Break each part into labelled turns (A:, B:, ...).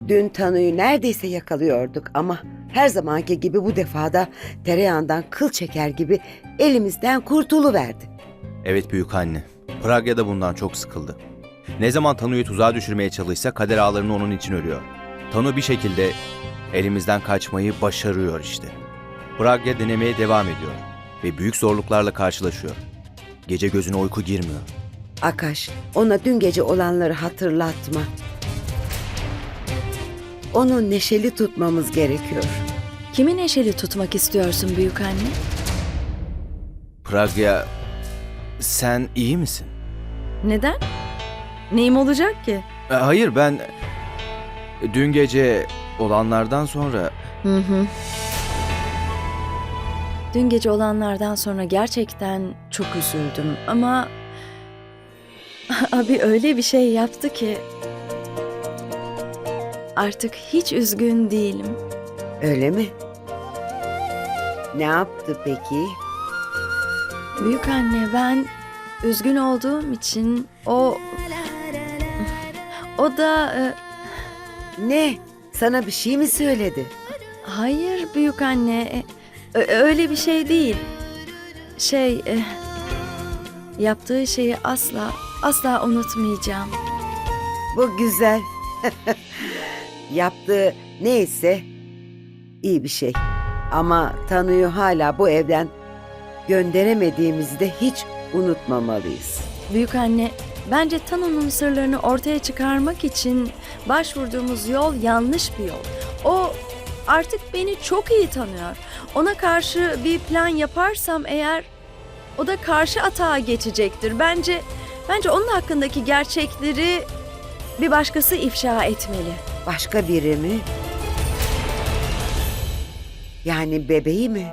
A: Dün Tanu'yu neredeyse yakalıyorduk ama her zamanki gibi bu defada tereyağından kıl çeker gibi elimizden kurtuluverdi.
B: Evet büyük anne. Pragya da bundan çok sıkıldı. Ne zaman Tanu'yu tuzağa düşürmeye çalışsa kader ağlarını onun için örüyor. Tanu bir şekilde elimizden kaçmayı başarıyor işte. Pragya denemeye devam ediyor ve büyük zorluklarla karşılaşıyor. Gece gözüne uyku girmiyor.
A: Akaş, ona dün gece olanları hatırlatma. Onu neşeli tutmamız gerekiyor.
C: Kimi neşeli tutmak istiyorsun büyük anne?
B: Pragya, sen iyi misin?
C: Neden? Neyim olacak ki?
B: Hayır, ben dün gece olanlardan sonra
C: Hı. Dün gece olanlardan sonra gerçekten çok üzüldüm ama abi öyle bir şey yaptı ki artık hiç üzgün değilim.
A: Öyle mi? Ne yaptı peki?
C: Büyük anne, ben üzgün olduğum için o da
A: Ne? Sana bir şey mi söyledi?
C: hayır büyük anne, öyle bir şey değil. Yaptığı şeyi asla unutmayacağım.
A: Bu güzel. Yaptığı neyse iyi bir şey. Ama Tanu'yu hala bu evden gönderemediğimizi de hiç unutmamalıyız.
C: Büyük anne, bence Tanu'nun sırlarını ortaya çıkarmak için başvurduğumuz yol yanlış bir yol. O artık beni çok iyi tanıyor. Ona karşı bir plan yaparsam eğer o da karşı atağa geçecektir. Bence onun hakkındaki gerçekleri bir başkası ifşa etmeli.
A: Başka biri mi? Yani bebeği mi?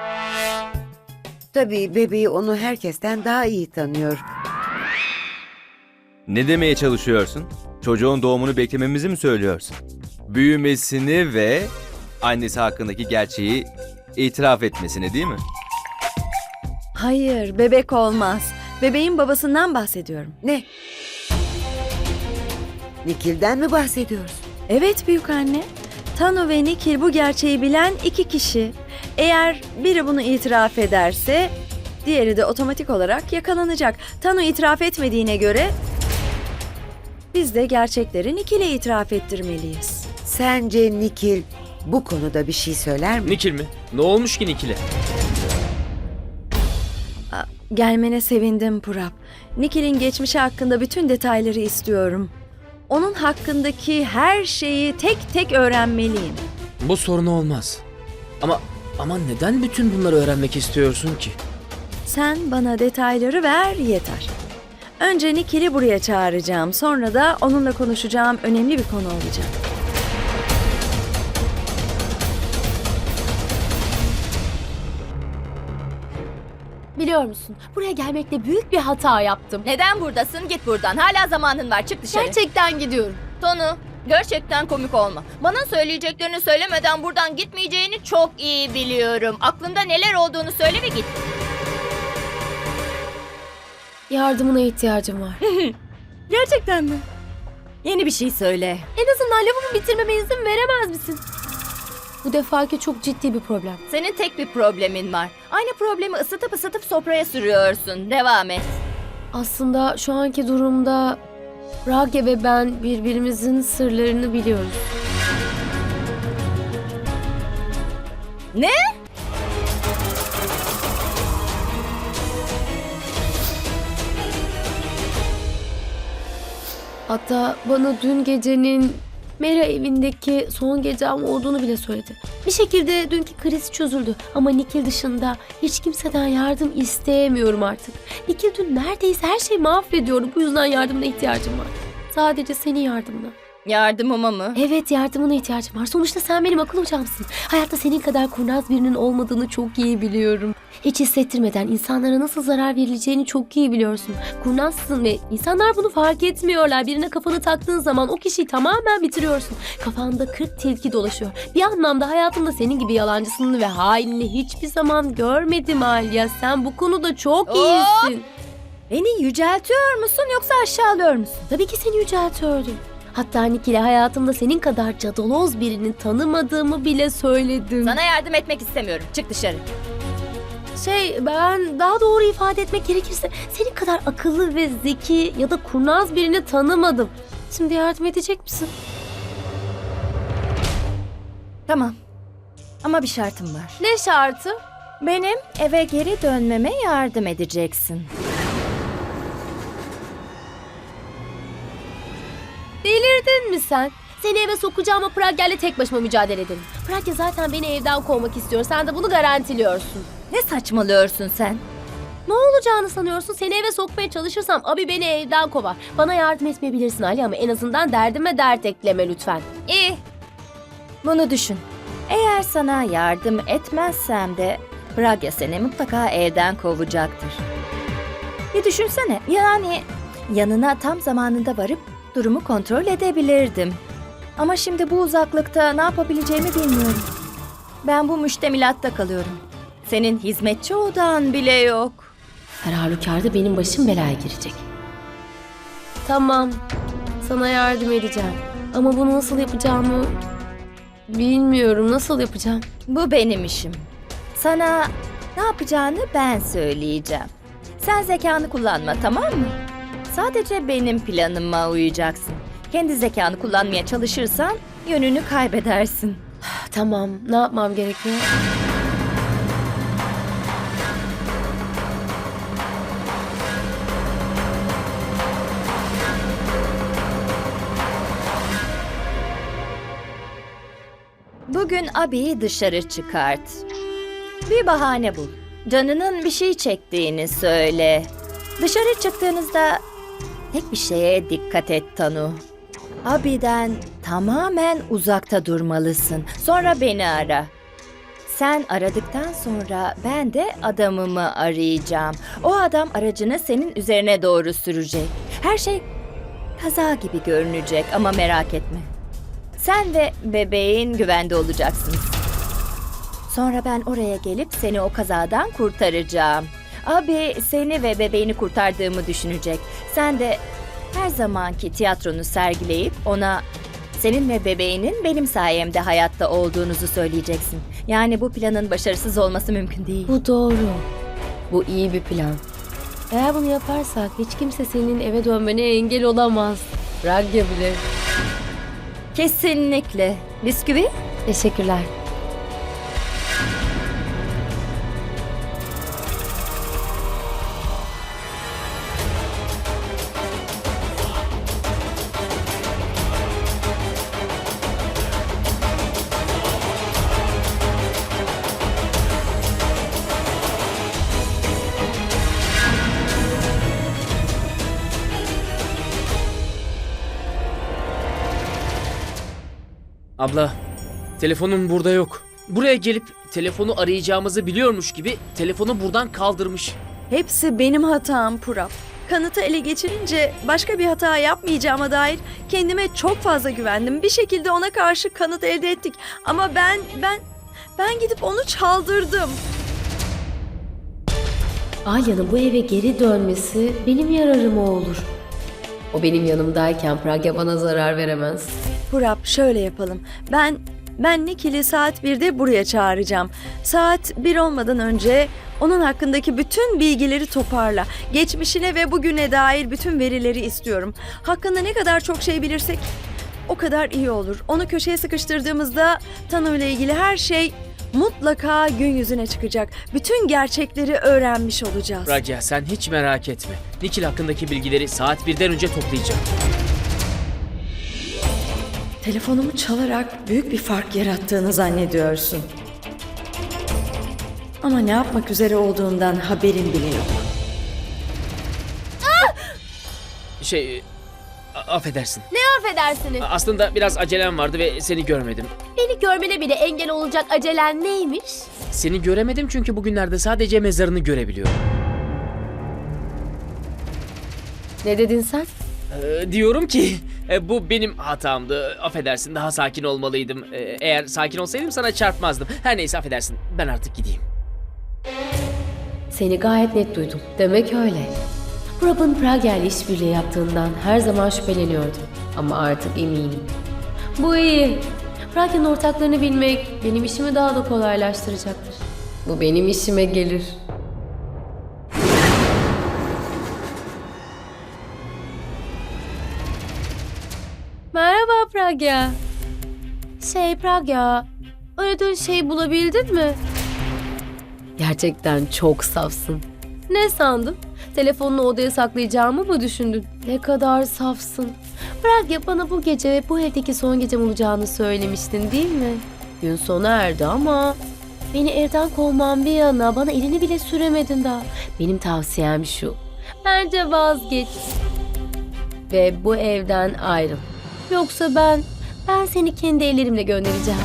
A: Tabii bebeği onu herkesten daha iyi tanıyor.
B: ne demeye çalışıyorsun? Çocuğun doğumunu beklememizi mi söylüyorsun? Büyümesini ve annesi hakkındaki gerçeği itiraf etmesini değil mi?
C: Hayır, bebek olmaz. Bebeğin babasından bahsediyorum.
A: Ne? Nikil'den mi bahsediyorsun?
C: Evet büyük anne. Tanu ve Nikil bu gerçeği bilen iki kişi. Eğer biri bunu itiraf ederse diğeri de otomatik olarak yakalanacak. Tanu itiraf etmediğine göre biz de gerçekleri Nikil'e itiraf ettirmeliyiz.
A: Sence Nikil bu konuda bir şey söyler mi?
D: Nikil mi? Ne olmuş ki Nikil'e?
C: Gelmene sevindim Purap. Nikil'in geçmişi hakkında bütün detayları istiyorum. Onun hakkındaki her şeyi tek tek öğrenmeliyim.
D: Bu sorun olmaz. Ama neden bütün bunları öğrenmek istiyorsun ki?
C: Sen bana detayları ver yeter. Önce Nikil'i buraya çağıracağım. Sonra da onunla konuşacağım önemli bir konu olacak.
E: Biliyor musun? Buraya gelmekle büyük bir hata yaptım.
F: Neden buradasın? Git buradan. Hala zamanın var. Çık dışarı.
E: Gerçekten gidiyorum.
F: Tonu, gerçekten komik olma. Bana söyleyeceklerini söylemeden buradan gitmeyeceğini çok iyi biliyorum. Aklında neler olduğunu söyle ve git.
E: Yardımına ihtiyacım var.
F: Gerçekten mi? Yeni bir şey söyle.
E: En azından lafımı bitirmeme izin veremez misin? Bu defaki çok ciddi bir problem.
F: Senin tek bir problemin var. Aynı problemi ısıtıp sofraya sürüyorsun. Devam et.
E: Aslında şu anki durumda Rage ve ben birbirimizin sırlarını biliyoruz.
F: Ne?
E: Hatta bana dün gecenin Mera evindeki son gecem olduğunu bile söyledi. Bir şekilde dünkü kriz çözüldü ama Nikil dışında hiç kimseden yardım isteyemiyorum artık. Nikil dün neredeyse her şeyi mahvediyordu. Bu yüzden yardımına ihtiyacım var. Sadece senin yardımına.
F: Yardımıma mı?
E: Evet, yardımına ihtiyacım var. Sonuçta sen benim akıl hocamsın. Hayatta senin kadar kurnaz birinin olmadığını çok iyi biliyorum. Hiç hissettirmeden insanlara nasıl zarar verileceğini çok iyi biliyorsun. Kurnazsın ve insanlar bunu fark etmiyorlar. Birine kafanı taktığın zaman o kişiyi tamamen bitiriyorsun. Kafanda 40 tilki dolaşıyor. Bir anlamda hayatımda senin gibi yalancısını ve hainini hiçbir zaman görmedim Alya. Sen bu konuda çok iyisin.
F: Beni yüceltiyor musun yoksa aşağılıyor musun?
E: Tabii ki seni yüceltiyordum. Hatta Nikil'e hayatımda senin kadar cadaloz birini tanımadığımı bile söyledim.
F: Sana yardım etmek istemiyorum. Çık dışarı.
E: Ben daha doğru ifade etmek gerekirse senin kadar akıllı ve zeki ya da kurnaz birini tanımadım. Şimdi yardım edecek misin?
F: Tamam. Ama bir şartım var.
E: Ne şartı?
F: Benim eve geri dönmeme yardım edeceksin.
E: Delirdin mi sen? Seni eve sokacağım ama Pragya'yla tek başıma mücadele edelim. Pragya zaten beni evden kovmak istiyor. Sen de bunu garantiliyorsun.
F: Ne saçmalıyorsun sen?
E: Ne olacağını sanıyorsun? Seni eve sokmaya çalışırsam abi beni evden kovar. Bana yardım etmeyebilirsin Ali ama en azından derdime dert ekleme lütfen.
F: İyi. Bunu düşün. Eğer sana yardım etmezsem de Pragya seni mutlaka evden kovacaktır. Bir düşünsene. Yani yanına tam zamanında varıp durumu kontrol edebilirdim. Ama şimdi bu uzaklıkta ne yapabileceğimi bilmiyorum. Ben bu müştemilatta kalıyorum. Senin hizmetçi odan bile yok.
E: Her halükarda benim başım belaya girecek. Tamam. Sana yardım edeceğim. Ama bunu nasıl yapacağımı bilmiyorum. Nasıl yapacağım?
F: Bu benim işim. Sana ne yapacağını ben söyleyeceğim. Sen zekanı kullanma, tamam mı? Sadece benim planıma uyacaksın. Kendi zekanı kullanmaya çalışırsan yönünü kaybedersin.
E: Tamam. Ne yapmam gerekiyor?
F: Bugün abiyi dışarı çıkart. Bir bahane bul. Canının bir şey çektiğini söyle. Dışarı çıktığınızda tek bir şeye dikkat et Tanu. Abiden tamamen uzakta durmalısın. Sonra beni ara. Sen aradıktan sonra ben de adamımı arayacağım. O adam aracını senin üzerine doğru sürecek. Her şey kaza gibi görünecek ama merak etme. Sen ve bebeğin güvende olacaksınız. Sonra ben oraya gelip seni o kazadan kurtaracağım. Abi seni ve bebeğini kurtardığımı düşünecek. Sen de her zamanki tiyatronu sergileyip ona senin ve bebeğinin benim sayemde hayatta olduğunuzu söyleyeceksin. Yani bu planın başarısız olması mümkün değil.
E: Bu doğru. Bu iyi bir plan. Eğer bunu yaparsak hiç kimse senin eve dönmene engel olamaz. Pragya bile.
F: Kesinlikle. Bisküvi?
E: Teşekkürler.
D: Abla, telefonum burada yok. Buraya gelip telefonu arayacağımızı biliyormuş gibi telefonu buradan kaldırmış.
C: Hepsi benim hatam Purap. Kanıtı ele geçirince başka bir hata yapmayacağıma dair kendime çok fazla güvendim. Bir şekilde ona karşı kanıt elde ettik. Ama ben gidip onu çaldırdım.
E: Alya'nın bu eve geri dönmesi benim yararıma olur. O benim yanımdayken Pragya bana zarar veremez.
C: Purap şöyle yapalım. Ben Nikil'i saat 1'de buraya çağıracağım. Saat 1 olmadan önce onun hakkındaki bütün bilgileri toparla. Geçmişine ve bugüne dair bütün verileri istiyorum. Hakkında ne kadar çok şey bilirsek o kadar iyi olur. Onu köşeye sıkıştırdığımızda Tanu ile ilgili her şey mutlaka gün yüzüne çıkacak. Bütün gerçekleri öğrenmiş olacağız.
D: Pragya sen hiç merak etme. Nikil hakkındaki bilgileri saat 1'den önce toplayacağım.
C: Telefonumu çalarak büyük bir fark yarattığını zannediyorsun. Ama ne yapmak üzere olduğundan haberin bile yok.
D: Affedersin.
E: Affedersiniz.
D: Aslında biraz acelem vardı ve seni görmedim.
E: Beni görmene bile engel olacak acelen neymiş?
D: Seni göremedim çünkü bugünlerde sadece mezarını görebiliyorum.
E: Ne dedin sen?
D: Diyorum ki bu benim hatamdı. Affedersin, daha sakin olmalıydım. Eğer sakin olsaydım sana çarpmazdım. Her neyse affedersin. Ben artık gideyim.
E: Seni gayet net duydum. Demek öyle. Prab'ın Pragya ile işbirliği yaptığından her zaman şüpheleniyordum. Ama artık eminim. Bu iyi. Pragya'nın ortaklarını bilmek benim işimi daha da kolaylaştıracaktır. Bu benim işime gelir. Merhaba Pragya. Pragya, aradığın şeyi bulabildin mi? Gerçekten çok safsın. Ne sandın? Telefonunu odaya saklayacağımı mı düşündün? Ne kadar safsın. Pragya, bana bu gece ve bu evdeki son gecem olacağını söylemiştin değil mi? Gün sona erdi ama beni evden kovman bir yana bana elini bile süremedin daha. Benim tavsiyem şu. Bence vazgeç. Ve bu evden ayrıl. Yoksa ben seni kendi ellerimle göndereceğim.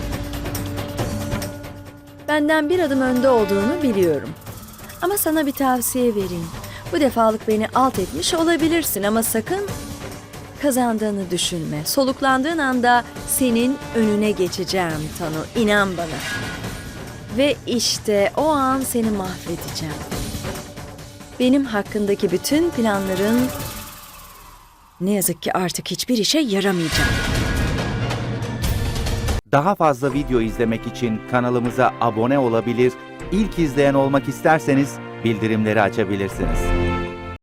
C: Benden bir adım önde olduğunu biliyorum. Ama sana bir tavsiye vereyim. Bu defalık beni alt etmiş olabilirsin ama sakın kazandığını düşünme. Soluklandığın anda senin önüne geçeceğim Tanu. İnan bana. Ve işte o an seni mahvedeceğim. Benim hakkındaki bütün planların ne yazık ki artık hiçbir işe yaramayacak.
G: Daha fazla video izlemek için kanalımıza abone olabilir, ilk izleyen olmak isterseniz bildirimleri açabilirsiniz.